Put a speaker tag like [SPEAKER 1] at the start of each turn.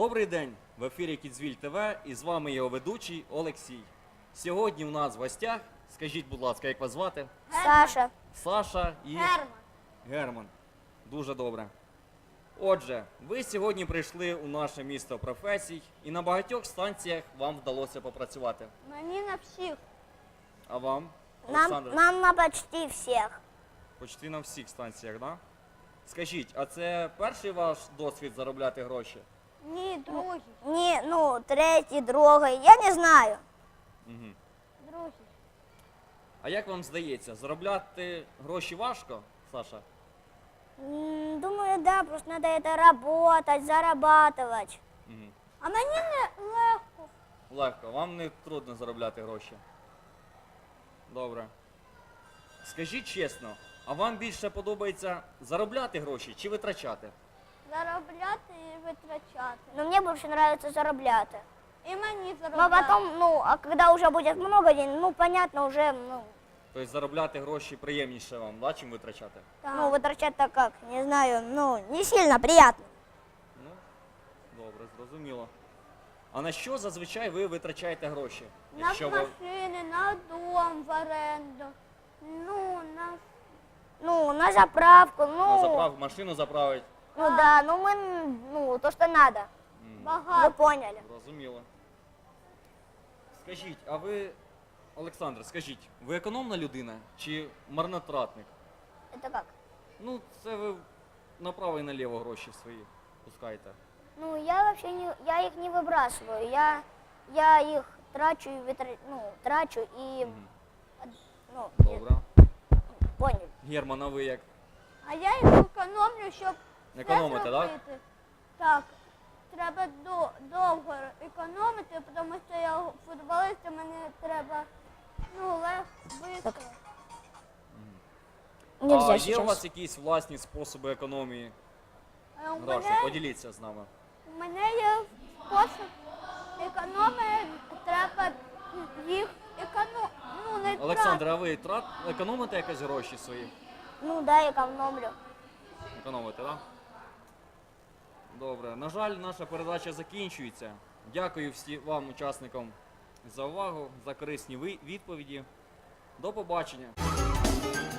[SPEAKER 1] Добрий день! В ефірі Кідзвіль ТВ і з вами його ведучий Олексій. Сьогодні у нас в гостях, скажіть, будь ласка, як вас звати?
[SPEAKER 2] Саша.
[SPEAKER 1] Саша і Герман. Дуже добре. Отже, ви сьогодні прийшли у наше місто професій і на багатьох станціях вам вдалося попрацювати.
[SPEAKER 2] Мені на всіх.
[SPEAKER 1] А вам, Олександр?
[SPEAKER 2] Нам на почти всіх.
[SPEAKER 1] Почти на всіх станціях, так? Да? Скажіть, а це перший ваш досвід заробляти гроші?
[SPEAKER 2] Ні, другий. Ні, третій, другий, я не знаю.
[SPEAKER 1] Угу.
[SPEAKER 2] Другий.
[SPEAKER 1] А як вам здається, заробляти гроші важко, Саша?
[SPEAKER 2] Думаю, да, просто надо это работать, зарабатывать.
[SPEAKER 1] Угу.
[SPEAKER 2] А мені не легко.
[SPEAKER 1] Легко, вам не трудно заробляти гроші. Добре. Скажіть чесно, а вам більше подобається заробляти гроші чи витрачати?
[SPEAKER 2] Заробляти і витрачати. Ну, мені більше подобається заробляти. І мені заробляти. Ну, потім, а коли вже буде много денег, понятно, вже,
[SPEAKER 1] Тобто заробляти гроші приємніше вам, да, чим витрачати?
[SPEAKER 2] Так. Витрачати так як, не знаю, не сильно приємно.
[SPEAKER 1] Ну, добре, зрозуміло. А на що зазвичай ви витрачаєте гроші?
[SPEAKER 2] На машини, на дом в оренду, на заправку,
[SPEAKER 1] На заправку, машину заправить?
[SPEAKER 2] Да, то, що надо.
[SPEAKER 1] Багато.
[SPEAKER 2] Ви поняли.
[SPEAKER 1] Зрозуміло. Скажіть, а ви, Олександр, скажіть, ви економна людина чи марнотратник?
[SPEAKER 2] Це як?
[SPEAKER 1] Ну, це ви направо і наліво гроші свої пускаєте.
[SPEAKER 2] Я вообще я их не выбрасываю, я их трачу и трачу и,
[SPEAKER 1] Добре.
[SPEAKER 2] понял.
[SPEAKER 1] Герман, а ви як?
[SPEAKER 3] А я їх економлю, щоб
[SPEAKER 1] Економите,
[SPEAKER 3] все
[SPEAKER 1] так?
[SPEAKER 3] зробити. Так, треба довго економити, тому що я футболіст, і мені треба швидко.
[SPEAKER 2] Нельзя
[SPEAKER 1] А є
[SPEAKER 2] сейчас.
[SPEAKER 1] у вас якісь власні способи економії
[SPEAKER 3] У
[SPEAKER 1] грошей?
[SPEAKER 3] мене,
[SPEAKER 1] Поділіться з нами.
[SPEAKER 3] у мене є спосіб економії, треба їх не
[SPEAKER 1] Олександр, а ви економите якось гроші свої?
[SPEAKER 2] Да, экономлю.
[SPEAKER 1] Економите, так? Добре. На жаль, наша передача закінчується. Дякую всім вам, учасникам, за увагу, за корисні відповіді. До побачення.